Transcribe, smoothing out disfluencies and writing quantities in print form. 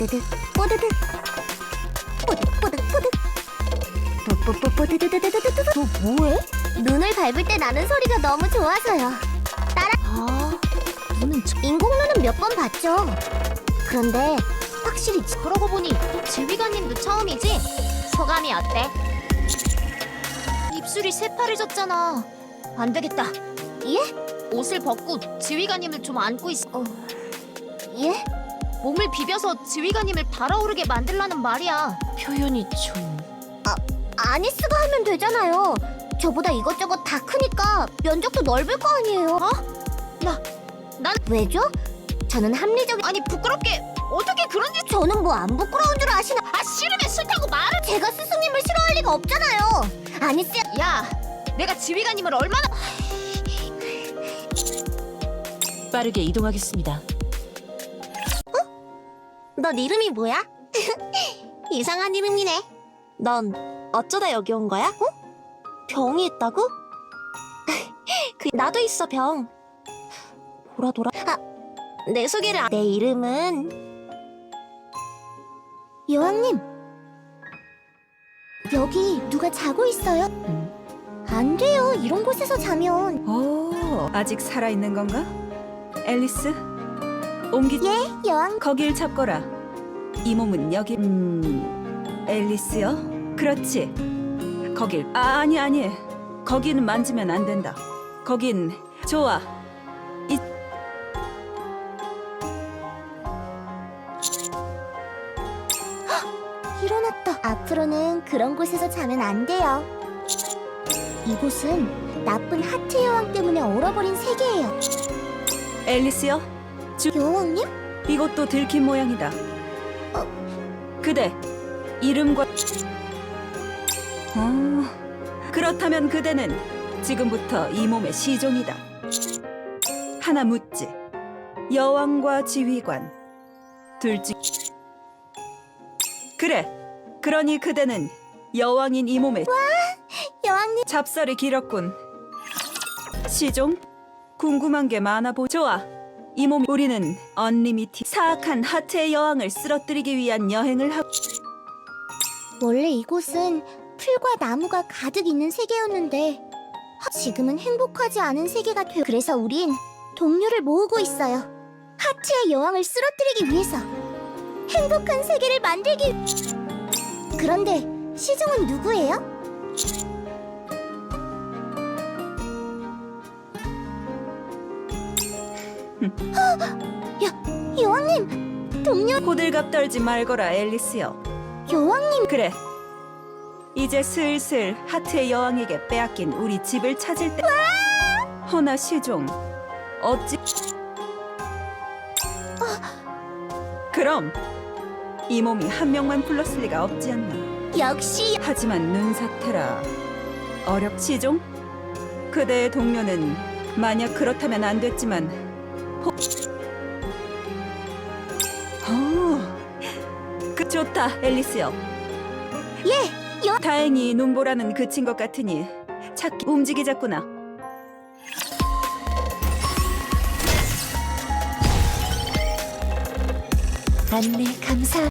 뽀드득 뽀드득 뽀드득 뽀드득 뽀드드드드드드드드. 너 뭐해? 눈을 밟을 때 나는 소리가 너무 좋아서요. 눈은 인공눈은 몇 번 봤죠. 그런데 확실히 그러고 보니 지휘관님도 처음이지? 소감이 어때? 입술이 새파래졌잖아. 안 되겠다. 예? 옷을 벗고 지휘관님을 좀 안고 있어. 예? 몸을 비벼서 지휘관님을 달아오르게 만들라는 말이야. 표현이 좀... 아니스가 하면 되잖아요. 저보다 이것저것 다 크니까 면적도 넓을 거 아니에요. 난 왜죠? 저는 합리적인... 아니 부끄럽게 어떻게 그런 짓... 저는 뭐 안 부끄러운 줄 아시나? 아 싫으면 싫다고 말을... 제가 스승님을 싫어할 리가 없잖아요. 아니스... 야, 내가 지휘관님을 얼마나... 빠르게 이동하겠습니다. 넌 이름이 뭐야? 이상한 이름이네. 넌 어쩌다 여기 온 거야? 병이 있다고? 나도 있어, 병. 돌아. 내 소개를 내 이름은... 여왕님. 여기 누가 자고 있어요? 안 돼요. 이런 곳에서 자면. 오, 아직 살아있는 건가? 앨리스? 옮기... 예, 여왕. 거길 잡거라. 이 몸은 여기... 앨리스요? 그렇지. 거길... 아니. 거기는 만지면 안 된다. 거긴... 좋아. 일어났다. 앞으로는 그런 곳에서 자면 안 돼요. 이곳은 나쁜 하트 여왕 때문에 얼어버린 세계예요. 앨리스요? 여왕님? 이것도 들킨 모양이다. 그대, 이름과... 그렇다면 그대는 지금부터 이 몸의 시종이다. 하나 묻지. 여왕과 지휘관 둘 중... 그래, 그러니 그대는 여왕인 이 몸의... 여왕님. 잡설이 길었군. 시종? 궁금한 게 많아 좋아. 이 몸 우리는 언리미티 사악한 하트의 여왕을 쓰러뜨리기 위한 여행을 하고... 원래 이곳은 풀과 나무가 가득 있는 세계였는데 지금은 행복하지 않은 세계가 되어 그래서 우린 동료를 모으고 있어요. 하트의 여왕을 쓰러뜨리기 위해서 행복한 세계를 만들기... 그런데 시종은 누구예요? 여왕님! 동료... 호들갑 떨지 말거라, 앨리스요. 여왕님! 그래, 이제 슬슬 하트의 여왕에게 빼앗긴 우리 집을 찾을 때... 허나 시종, 어찌... 그럼 이 몸이 한 명만 불렀을 리가 없지 않나. 역시... 하지만 눈사태라 시종? 그대의 동료는 만약 그렇다면 안 됐지만 좋다, 앨리스요. 예! 다행히 눈보라는 그친 것 같으니 찾기 움직이자꾸나. 안내 감사...